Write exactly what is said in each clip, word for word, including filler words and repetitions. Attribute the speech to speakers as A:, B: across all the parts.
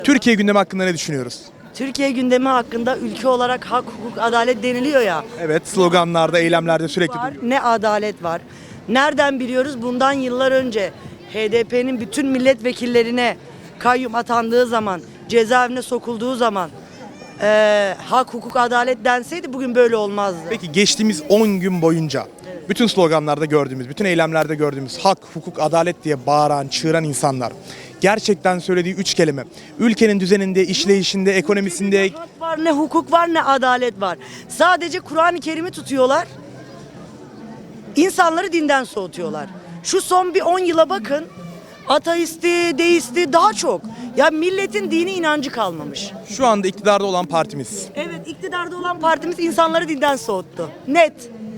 A: Türkiye gündemi hakkında ne düşünüyoruz?
B: Türkiye gündemi hakkında ülke olarak hak, hukuk, adalet deniliyor ya.
A: Evet, sloganlarda, eylemlerde sürekli
B: Var,
A: duyuyoruz.
B: ne adalet var. Nereden biliyoruz? Bundan yıllar önce H D P'nin bütün milletvekillerine kayyum atandığı zaman, cezaevine sokulduğu zaman eee, hak, hukuk, adalet denseydi bugün böyle olmazdı.
A: Peki geçtiğimiz on gün boyunca bütün sloganlarda gördüğümüz, bütün eylemlerde gördüğümüz hak, hukuk, adalet diye bağıran, çığıran insanlar gerçekten söylediği üç kelime, ülkenin düzeninde, işleyişinde, ekonomisinde
B: Ne hak var, ne hukuk var, ne adalet var. Sadece Kur'an-ı Kerim'i tutuyorlar. İnsanları dinden soğutuyorlar. Şu son bir on yıla bakın. Ateisti, deisti daha çok. Ya milletin dini inancı kalmamış.
A: şu anda iktidarda olan partimiz.
B: Evet, iktidarda olan partimiz insanları dinden soğuttu. Net.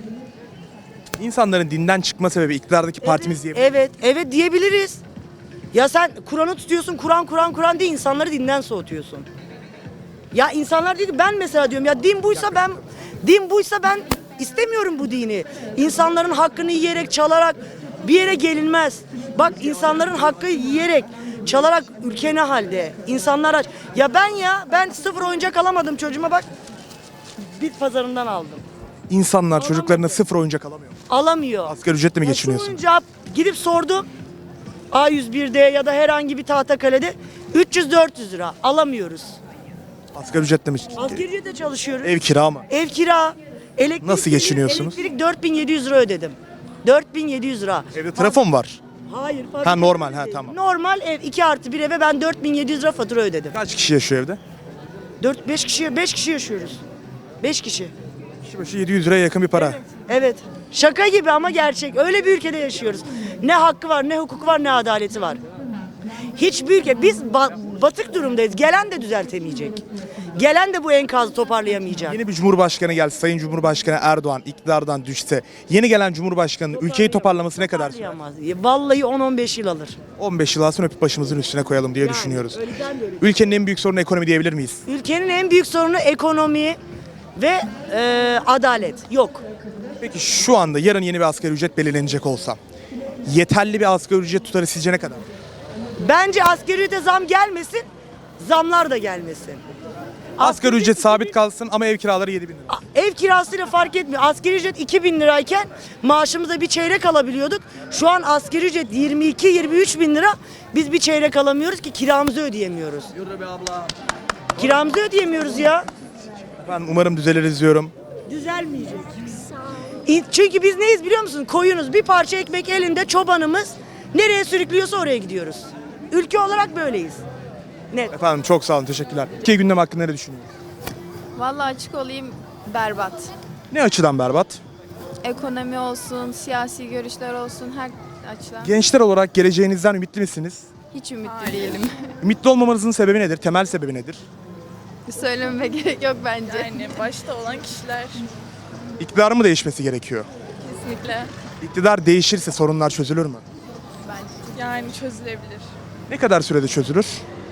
A: İnsanların dinden çıkma sebebi iktidardaki partimiz diye.
B: Evet, evet diyebiliriz. Ya sen Kur'an'ı tutuyorsun, Kur'an, Kur'an, Kur'an diye insanları dinden soğutuyorsun. Ya insanlar diyor ki ben mesela diyorum ya din buysa ben din buysa ben istemiyorum bu dini. İnsanların hakkını yiyerek, çalarak bir yere gelinmez. Bak insanların hakkı yiyerek, çalarak ülke ne halde? İnsanlar aç. Ya ben ya ben sıfır oyuncak alamadım çocuğuma bak. Bit pazarından aldım.
A: İnsanlar çocuklarına sıfır oyuncak alamıyor.
B: Alamıyor.
A: Asgari ücretle mi
B: Ya şu
A: geçiniyorsun?
B: oyuncak gidip sordum. A yüz bir'de ya da herhangi bir Tahtakale'de üç yüz dört yüz lira alamıyoruz.
A: Asgari ücretle mi?
B: Asgari ücretle çalışıyoruz.
A: Ev kira mı?
B: Ev kira. Elektrik,
A: Nasıl geçiniyorsunuz?
B: Elektrik dört bin yedi yüz lira ödedim. dört bin yedi yüz lira.
A: Evde trafo mu var?
B: Hayır.
A: Ha,
B: fabrika
A: normal, ha,
B: değil.
A: tamam.
B: Normal ev iki artı bir eve ben dört bin yedi yüz lira fatura ödedim.
A: Kaç kişi yaşıyor evde?
B: dört beş kişi beş kişi yaşıyoruz. beş kişi.
A: Kişi başı yedi yüz liraya yakın bir para.
B: Evet. Şaka gibi ama gerçek. Öyle bir ülkede yaşıyoruz. Ne hakkı var, ne hukuku var, ne adaleti var. Hiçbir ülke biz ba- batık durumdayız. Gelen de düzeltemeyecek. Gelen de bu enkazı toparlayamayacak.
A: Yeni bir cumhurbaşkanı gelse, Sayın Cumhurbaşkanı Erdoğan iktidardan düşse, yeni gelen cumhurbaşkanının ülkeyi toparlaması ne kadar sürer?
B: Toparlayamaz. Vallahi on on beş yıl alır.
A: on beş yıl alsın öpüp başımızın üstüne koyalım diye
B: Yani,
A: düşünüyoruz.
B: öyleden de öyle.
A: Ülkenin en büyük sorunu ekonomi diyebilir miyiz?
B: Ülkenin en büyük sorunu ekonomi ve e, adalet. Yok.
A: Peki şu anda yarın yeni bir asgari ücret belirlenecek olsa yeterli bir asgari ücret tutarı sizce ne kadar?
B: Bence asgari ücrete zam gelmesin, zamlar da gelmesin.
A: Asgari ücret sabit kalsın ama ev kiraları yedi bin lira.
B: Ev kirasıyla fark etmiyor. Asgari ücret iki bin lirayken maaşımıza bir çeyrek alabiliyorduk. Şu an asgari ücret yirmi iki yirmi üç bin lira. Biz bir çeyrek alamıyoruz ki kiramızı ödeyemiyoruz.
A: Yürü be abla.
B: Kiramızı ödeyemiyoruz ya.
A: Ben umarım düzeliriz diyorum.
B: Düzelmeyecek. İ- Çünkü biz neyiz biliyor musun? Koyunuz. Bir parça ekmek elinde çobanımız. Nereye sürüklüyorsa oraya gidiyoruz. Ülke olarak böyleyiz. Net.
A: Efendim çok sağ olun, teşekkürler. Türkiye gündemi hakkında ne düşünüyorsunuz?
C: Vallahi açık olayım, berbat.
A: Ne açıdan berbat?
C: Ekonomi olsun, siyasi görüşler olsun, her açıdan.
A: Gençler olarak geleceğinizden ümitli misiniz?
C: Hiç ümitli değilim.
A: Ümitli olmamanızın sebebi nedir? Temel sebebi nedir?
C: Söylememe gerek yok bence.
D: Yani başta olan kişiler
A: İktidarın mı değişmesi gerekiyor?
D: kesinlikle
A: İktidar değişirse sorunlar çözülür mü?
D: yani çözülebilir.
A: Ne kadar sürede çözülür?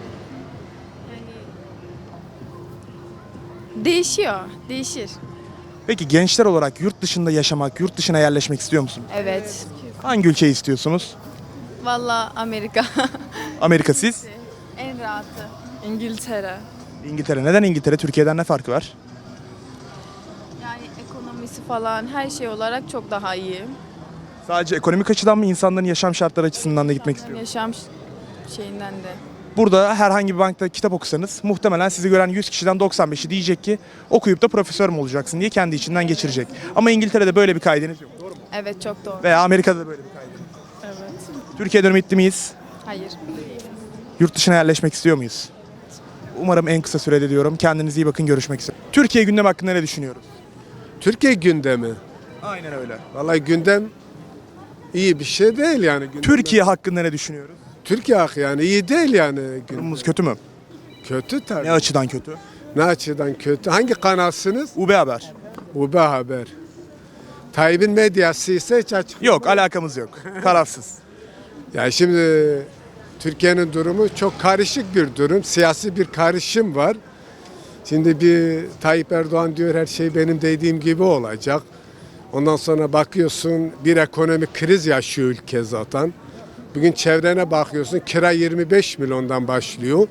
C: Değişiyor, değişir.
A: Peki gençler olarak yurt dışında yaşamak, yurt dışına yerleşmek istiyor musunuz?
C: Evet.
A: Hangi ülkeyi istiyorsunuz?
C: Vallahi Amerika.
A: Amerika siz?
C: En rahatı.
D: İngiltere.
A: İngiltere. Neden İngiltere? Türkiye'den ne farkı var?
C: Yani ekonomisi falan her şey olarak çok daha iyi.
A: Sadece ekonomik açıdan mı, insanların yaşam şartları açısından da gitmek istiyor?
C: Yaşam ş- şeyinden de.
A: Burada herhangi bir bankta kitap okusanız muhtemelen sizi gören yüz kişiden doksan beşi diyecek ki okuyup da profesör mü olacaksın diye kendi içinden geçirecek. Ama İngiltere'de böyle bir kaydınız yok. Doğru mu?
C: Evet, çok doğru.
A: Veya Amerika'da da böyle bir kaydınız yok.
D: Evet.
A: Türkiye'de ümitli miyiz?
C: Hayır.
A: Yurt dışına yerleşmek istiyor muyuz? Umarım en kısa sürede diyorum. Kendinize iyi bakın, görüşmek üzere. Türkiye gündemi hakkında ne düşünüyoruz?
E: Türkiye gündemi.
A: Aynen öyle.
E: Vallahi gündem iyi bir şey değil yani. Gündem.
A: Türkiye hakkında ne düşünüyoruz?
E: Türkiye hak yani iyi değil yani. Gündem.
A: Durumumuz kötü mü?
E: Kötü tabii.
A: Ne açıdan kötü?
E: Ne açıdan kötü? Hangi kanalsınız?
A: U B Haber.
E: U B Haber. Tayyip'in medyası ise hiç açık.
A: Yok, alakamız yok. Tarafsız.
E: Yani şimdi Türkiye'nin durumu çok karışık bir durum. Siyasi bir karışım var. Şimdi bir Tayyip Erdoğan diyor her şey benim dediğim gibi olacak. Ondan sonra bakıyorsun bir ekonomik kriz yaşıyor ülke zaten. Bugün çevrene bakıyorsun kira yirmi beş milyondan başlıyor.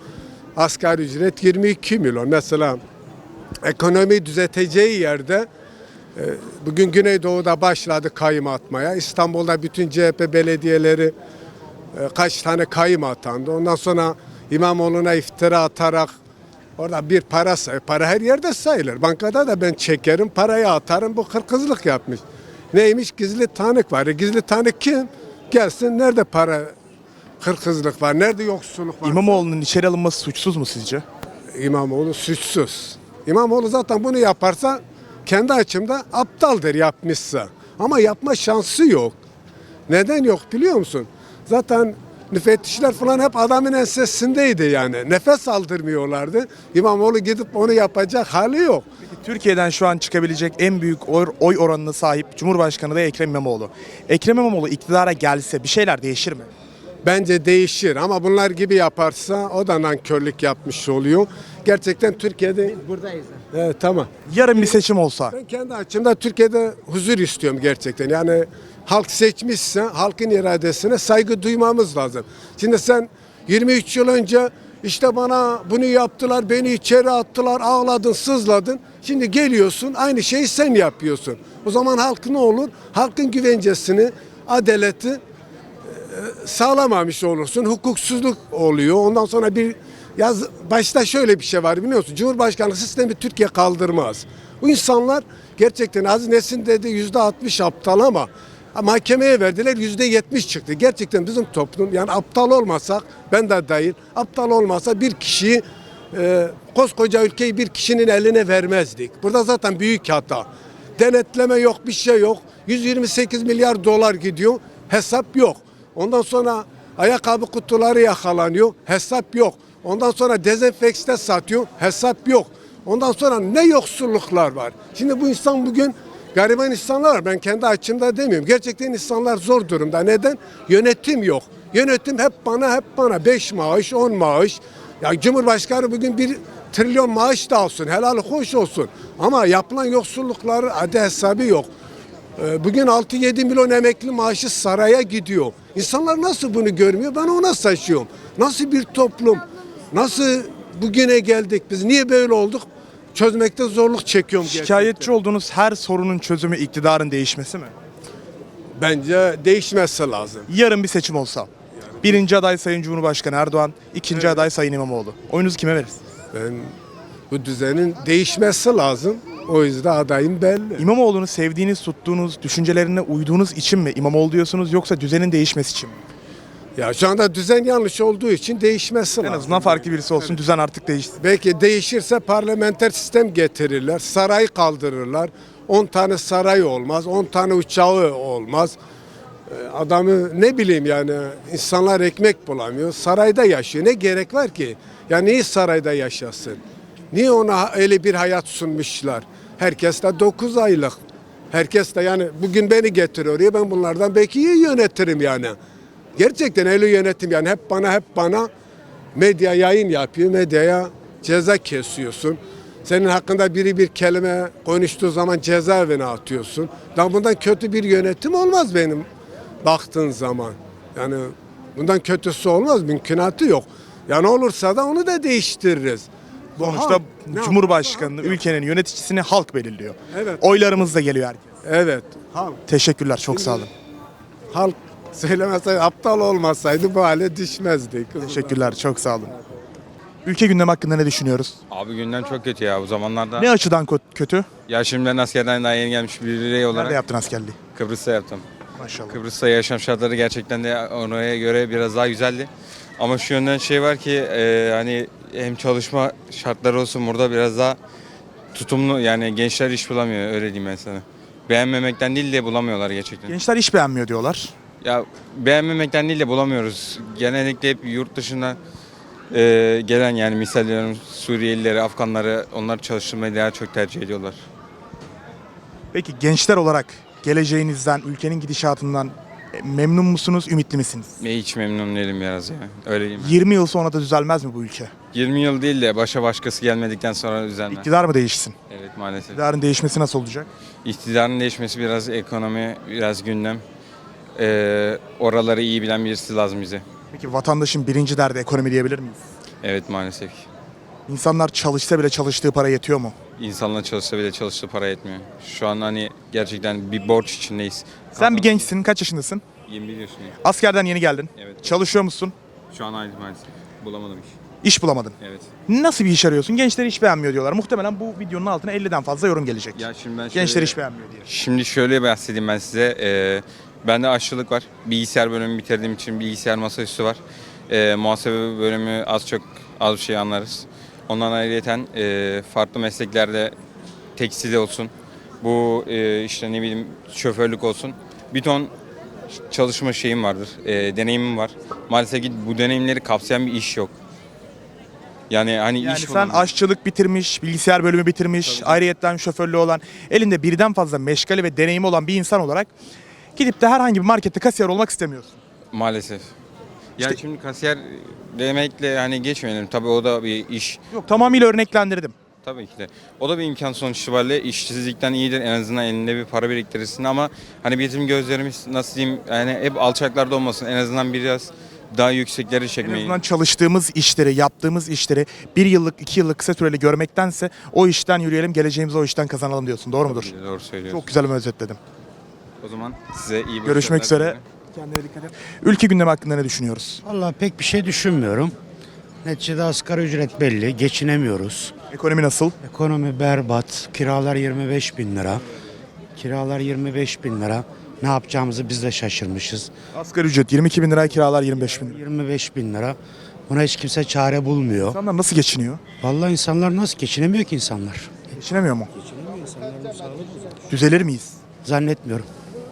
E: asgari ücret yirmi iki milyon. Mesela ekonomi düzelteceği yerde e, bugün Güneydoğu'da başladı kayım atmaya. İstanbul'da bütün C H P belediyeleri e, kaç tane kayım atandı. Ondan sonra İmamoğlu'na iftira atarak orada bir para say, para her yerde sayılır. Bankada da ben çekerim, parayı atarım. Bu hırkızlık yapmış. Neymiş? Gizli tanık var. E, gizli tanık kim? Gelsin, nerede para hırkızlık var? Nerede yoksulluk var?
A: İmamoğlu'nun içeri alınması suçsuz mu sizce?
E: İmamoğlu suçsuz. İmamoğlu zaten bunu yaparsa kendi açımda aptaldır yapmışsa. Ama yapma şansı yok. Neden yok biliyor musun? Zaten müfettişler falan hep adamın ensesindeydi yani. Nefes aldırmıyorlardı. İmamoğlu gidip onu yapacak hali yok.
A: Türkiye'den şu an çıkabilecek en büyük oy oy oranına sahip Cumhurbaşkanı da Ekrem İmamoğlu. Ekrem İmamoğlu iktidara gelse bir şeyler değişir mi?
E: Bence değişir ama bunlar gibi yaparsa o da nankörlük yapmış oluyor. Gerçekten Türkiye'de...
B: Buradayız.
E: Evet, tamam.
A: Yarın bir seçim olsa
E: Ben kendi açımda Türkiye'de huzur istiyorum gerçekten. Yani halk seçmişse halkın iradesine saygı duymamız lazım. Şimdi sen yirmi üç yıl önce işte bana bunu yaptılar, beni içeri attılar, ağladın, sızladın. Şimdi geliyorsun aynı şeyi sen yapıyorsun. O zaman halk ne olur? Halkın güvencesini, adaleti sağlamamış olursun. Hukuksuzluk oluyor. Ondan sonra bir yaz başta şöyle bir şey var biliyor musun? Cumhurbaşkanlığı sistemi Türkiye kaldırmaz. Bu insanlar gerçekten Aziz Nesin dedi yüzde altmış aptal ama mahkemeye verdiler yüzde yetmiş çıktı. Gerçekten bizim toplum yani aptal olmasak ben de dahil aptal olmasa bir kişiyi e, koskoca ülkeyi bir kişinin eline vermezdik. Burada zaten büyük hata. Denetleme yok, bir şey yok. yüz yirmi sekiz milyar dolar gidiyor. Hesap yok. Ondan sonra ayakkabı kutuları yakalanıyor. Hesap yok. Ondan sonra dezenfekte satıyor. Hesap yok. Ondan sonra ne yoksulluklar var. Şimdi bu insan bugün gariban insanlar var. Ben kendi açımda demiyorum. Gerçekten insanlar zor durumda. Neden? Yönetim yok. Yönetim hep bana hep bana. Beş maaş, on maaş. Ya Cumhurbaşkanı bugün bir trilyon maaş da alsın. Helal hoş olsun. Ama yapılan yoksullukları adı hesabı yok. Bugün altı yedi milyon emekli maaşı saraya gidiyor. İnsanlar nasıl bunu görmüyor? Ben ona şaşıyorum. Nasıl bir toplum? Nasıl bugüne geldik? Biz niye böyle olduk? Çözmekte zorluk çekiyorum gerçekten.
A: şikayetçi olduğunuz her sorunun çözümü iktidarın değişmesi mi?
E: Bence değişmesi lazım.
A: Yarın bir seçim olsa. Birinci aday Sayın Cumhurbaşkanı Erdoğan, ikinci aday Sayın İmamoğlu. Oyunuzu kime verirsiniz?
E: Ben bu düzenin değişmesi lazım. O yüzden adayım belli.
A: İmamoğlu'nu sevdiğiniz, tuttuğunuz, düşüncelerine uyduğunuz için mi İmamoğlu diyorsunuz yoksa düzenin değişmesi için mi?
E: Ya şu anda düzen yanlış olduğu için değişmesi
A: En
E: lazım.
A: azından farklı birisi olsun, düzen artık değişsin.
E: Belki değişirse parlamenter sistem getirirler. Saray kaldırırlar. on tane saray olmaz. on tane uçağı olmaz. Ee, Adamı ne bileyim yani insanlar ekmek bulamıyor. Sarayda yaşıyor. Ne gerek var ki? Ya niye sarayda yaşasın? Niye ona öyle bir hayat sunmuşlar? Herkes de dokuz aylık. Herkes de yani bugün beni getiriyor ya ben bunlardan belki iyi yönetirim yani. Gerçekten öyle yönetim yani hep bana hep bana medya yayın yapıyor. Medyaya ceza kesiyorsun. Senin hakkında biri bir kelime konuştuğu zaman cezaevine atıyorsun. Daha bundan kötü bir yönetim olmaz benim baktığın zaman. Yani bundan kötüsü olmaz. Mümkünatı yok. Yani olursa da onu da değiştiririz. Bu
A: Sonuçta
E: halk ne
A: Cumhurbaşkanlığı
E: yapar?
A: ülkenin yöneticisini halk belirliyor.
E: Evet.
A: Oylarımız da geliyor herkes.
E: Evet. Halk.
A: Teşekkürler, çok sağ olun.
E: Halk söylemeseydi, aptal olmasaydı bu hale düşmezdik.
A: Teşekkürler, çok sağ olun. Ülke gündemi hakkında ne düşünüyoruz?
F: Abi gündem çok kötü ya bu zamanlarda.
A: Ne açıdan kö- kötü?
F: Ya şimdi ben askerden daha yeni gelmiş bir birey olarak
A: Nerede yaptın askerliği?
F: Kıbrıs'ta yaptım.
A: Maşallah.
F: Kıbrıs'ta yaşam şartları gerçekten de oraya göre biraz daha güzeldi. Ama şu yönden şey var ki e, hani hem çalışma şartları olsun burada biraz daha tutumlu yani gençler iş bulamıyor öyle diyeyim ben sana. Beğenmemekten değil de bulamıyorlar gerçekten.
A: Gençler iş beğenmiyor diyorlar.
F: Ya beğenmemekten değil de bulamıyoruz. Genellikle hep yurt dışından e, gelen yani misal veriyorum Suriyelileri, Afganları onlar çalıştırmayı daha çok tercih ediyorlar.
A: Peki gençler olarak geleceğinizden, ülkenin gidişatından e, memnun musunuz, ümitli misiniz?
F: Ve hiç memnun değilim biraz ya. Öyle diyeyim.
A: yirmi yıl sonra da düzelmez mi bu ülke?
F: yirmi yıl değil de başa başkası gelmedikten sonra düzenler.
A: İktidar mı değişsin?
F: Evet maalesef.
A: İktidarın değişmesi nasıl olacak?
F: İktidarın değişmesi biraz ekonomi, biraz gündem. Ee, oraları iyi bilen birisi lazım bize.
A: Peki vatandaşın birinci derdi ekonomi diyebilir miyiz?
F: Evet maalesef.
A: İnsanlar çalışsa bile çalıştığı para yetiyor mu?
F: İnsanlar çalışsa bile çalıştığı para yetmiyor. Şu an hani gerçekten bir borç içindeyiz.
A: Sen bir gençsin, kaç yaşındasın?
F: yirmi bir yaşındayım.
A: Askerden yeni geldin.
F: Evet.
A: Çalışıyor musun?
F: Şu an aynı maalesef. Bulamadım iş.
A: İş bulamadın.
F: Evet.
A: Nasıl bir iş arıyorsun? Gençler iş beğenmiyor diyorlar. Muhtemelen bu videonun altına elliden fazla yorum gelecek.
F: Ya şimdi ben şöyle,
A: Gençler iş beğenmiyor diye.
F: Şimdi şöyle bahsedeyim ben size. Ee, bende aşçılık var. Bilgisayar bölümü bitirdiğim için bilgisayar masaüstü var. Ee, muhasebe bölümü az çok az bir şey anlarız. Ondan ayrıyeten e, farklı mesleklerde tekstil olsun. Bu e, işte ne bileyim şoförlük olsun. Bir ton çalışma şeyim vardır. E, deneyimim var. Maalesef ki bu deneyimleri kapsayan bir iş yok. Yani hani
A: Yani
F: iş
A: sen
F: bulamıyorum.
A: aşçılık bitirmiş, bilgisayar bölümü bitirmiş, ayrıyetten şoförlüğü olan, elinde birden fazla meşgale ve deneyimi olan bir insan olarak gidip de herhangi bir markette kasiyer olmak istemiyorsun.
F: Maalesef. Yani
A: İşte-
F: şimdi kasiyer demekle hani geçmeyelim. Tabii o da bir iş.
A: Yok, tamamıyla örneklendirdim.
F: Tabii ki de. O da bir imkan sonuç itibariyle işsizlikten iyidir. En azından elinde bir para biriktirirsin ama hani bizim gözlerimiz nasıl diyeyim yani hep alçaklarda olmasın. En azından biraz daha yüksekleri
A: En
F: çekmeyi.
A: azından çalıştığımız işleri, yaptığımız işleri bir yıllık, iki yıllık kısa süreli görmektense o işten yürüyelim, geleceğimizi o işten kazanalım diyorsun. Doğru mudur?
F: Doğru söylüyorsun.
A: Çok güzel bir özetledim.
F: O zaman size iyi
A: Görüşmek
F: başarılar
A: üzere.
F: diliyorum.
A: Kendine dikkat et. Ülke gündemi hakkında ne düşünüyoruz?
G: Vallahi pek bir şey düşünmüyorum. Neticede asgari ücret belli, geçinemiyoruz.
A: Ekonomi nasıl?
G: Ekonomi berbat, kiralar yirmi beş bin lira. Kiralar yirmi beş bin lira. Ne yapacağımızı biz de şaşırmışız.
A: Asgari ücret yirmi iki bin lira, kiralar yirmi beş bin lira.
G: yirmi beş bin lira. Buna hiç kimse çare bulmuyor.
A: İnsanlar nasıl geçiniyor?
G: Vallahi insanlar nasıl geçinemiyor ki insanlar?
A: Geçinemiyor mu? Düzelir miyiz?
G: Zannetmiyorum.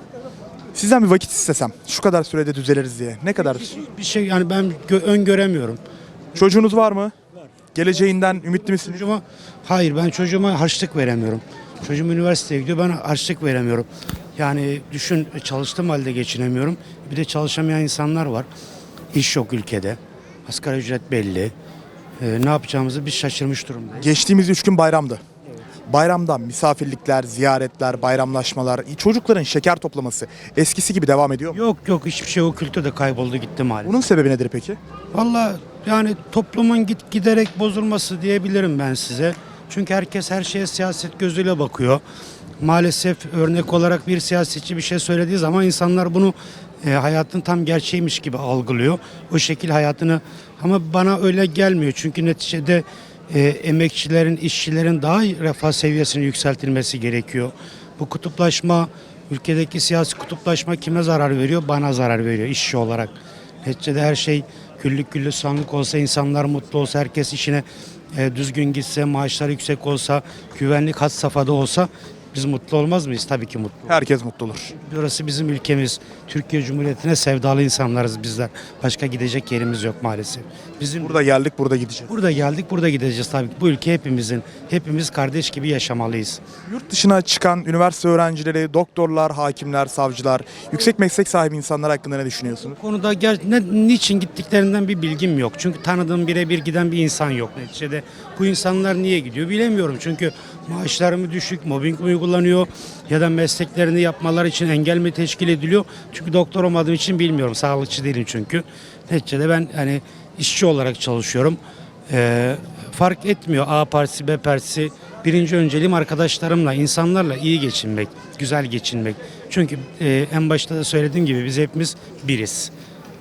A: Sizden bir vakit istesem, şu kadar sürede düzeliriz diye. Ne kadar?
G: Bir şey yani ben gö- öngöremiyorum.
A: Çocuğunuz var mı? Geleceğinden ümitli misiniz?
G: Çocuğuma, hayır ben çocuğuma harçlık veremiyorum. Çocuğum üniversiteye gidiyor, ben harçlık veremiyorum. Yani düşün, çalıştığım halde geçinemiyorum. Bir de çalışamayan insanlar var. İş yok ülkede. Asgari ücret belli. Ee, ne yapacağımızı biz şaşırmış durumdayız.
A: Geçtiğimiz üç gün bayramdı. Bayramda misafirlikler, ziyaretler, bayramlaşmalar, çocukların şeker toplaması eskisi gibi devam ediyor mu?
G: Yok yok hiçbir şey o kültür de kayboldu gitti maalesef.
A: Bunun sebebi nedir peki?
G: Vallahi yani toplumun git giderek bozulması diyebilirim ben size. Çünkü herkes her şeye siyaset gözüyle bakıyor. Maalesef örnek olarak bir siyasetçi bir şey söylediği zaman insanlar bunu e, hayatın tam gerçeğiymiş gibi algılıyor. O şekil hayatını ama bana öyle gelmiyor. Çünkü neticede e, emekçilerin, işçilerin daha refah seviyesini yükseltilmesi gerekiyor. Bu kutuplaşma, ülkedeki siyasi kutuplaşma kime zarar veriyor? Bana zarar veriyor işçi olarak. Neticede her şey güllük güllük sanlık olsa, insanlar mutlu olsa, herkes işine e, düzgün gitse, maaşlar yüksek olsa, güvenlik had safhada olsa biz mutlu olmaz mıyız? Tabii ki mutlu.
A: Herkes mutlu olur.
G: Burası bizim ülkemiz. Türkiye Cumhuriyeti'ne sevdalı insanlarız bizler. Başka gidecek yerimiz yok maalesef. Bizim
A: Burada geldik, burada gideceğiz.
G: burada geldik, burada gideceğiz tabii ki. Bu ülke hepimizin. Hepimiz kardeş gibi yaşamalıyız.
A: Yurt dışına çıkan üniversite öğrencileri, doktorlar, hakimler, savcılar, yüksek meslek sahibi insanlar hakkında ne düşünüyorsunuz?
G: Bu konuda ger- ne, niçin gittiklerinden bir bilgim yok. Çünkü tanıdığım birebir giden bir insan yok neticede. Bu insanlar niye gidiyor bilemiyorum. Çünkü maaşları mı düşük, mobbing mi uygulanıyor ya da mesleklerini yapmaları için engel mi teşkil ediliyor? Çünkü doktor olmadığım için bilmiyorum. Sağlıkçı değilim çünkü. Neticede ben hani işçi olarak çalışıyorum. Ee, fark etmiyor A partisi, B partisi. Birinci önceliğim arkadaşlarımla, insanlarla iyi geçinmek, güzel geçinmek. Çünkü e, en başta da söylediğim gibi biz hepimiz biriz.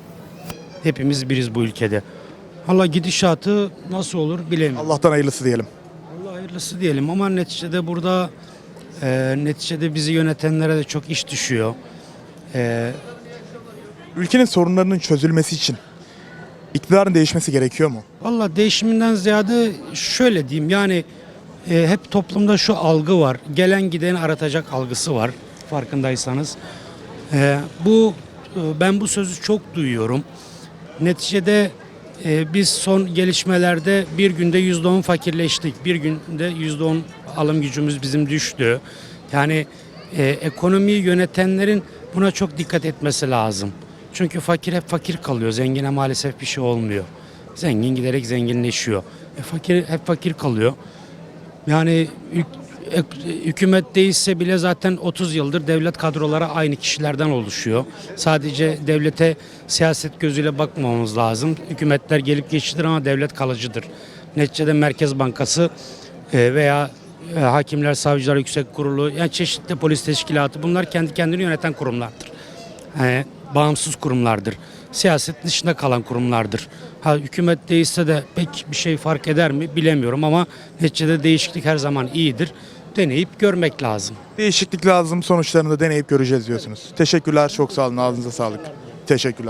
G: Hepimiz biriz bu ülkede. Allah gidişatı nasıl olur bilemiyorum.
A: Allah'tan hayırlısı diyelim.
G: Allah hayırlısı diyelim ama neticede burada e, neticede bizi yönetenlere de çok iş düşüyor. E,
A: Ülkenin sorunlarının çözülmesi için iktidarın değişmesi gerekiyor mu?
G: Valla değişiminden ziyade şöyle diyeyim yani e, hep toplumda şu algı var. Gelen gideni aratacak algısı var farkındaysanız. E, bu e, ben bu sözü çok duyuyorum. Neticede e, biz son gelişmelerde bir günde yüzde on fakirleştik. Bir günde yüzde on alım gücümüz bizim düştü. Yani e, ekonomiyi yönetenlerin buna çok dikkat etmesi lazım. Çünkü fakir hep fakir kalıyor. Zengine maalesef bir şey olmuyor. Zengin giderek zenginleşiyor. E, fakir hep fakir kalıyor. Yani hükümet değişse bile zaten otuz yıldır devlet kadroları aynı kişilerden oluşuyor. Sadece devlete siyaset gözüyle bakmamamız lazım. Hükümetler gelip geçidir ama devlet kalıcıdır. Neticede Merkez Bankası e, veya e, Hakimler, Savcılar Yüksek Kurulu, yani çeşitli polis teşkilatı, bunlar kendi kendini yöneten kurumlardır. Yani bağımsız kurumlardır. Siyaset dışında kalan kurumlardır. Ha, hükümet değişse de pek bir şey fark eder mi bilemiyorum ama neticede değişiklik her zaman iyidir. Deneyip görmek lazım.
A: Değişiklik lazım, sonuçlarını da deneyip göreceğiz diyorsunuz. Teşekkürler, çok sağ olun, ağzınıza sağlık. Teşekkürler.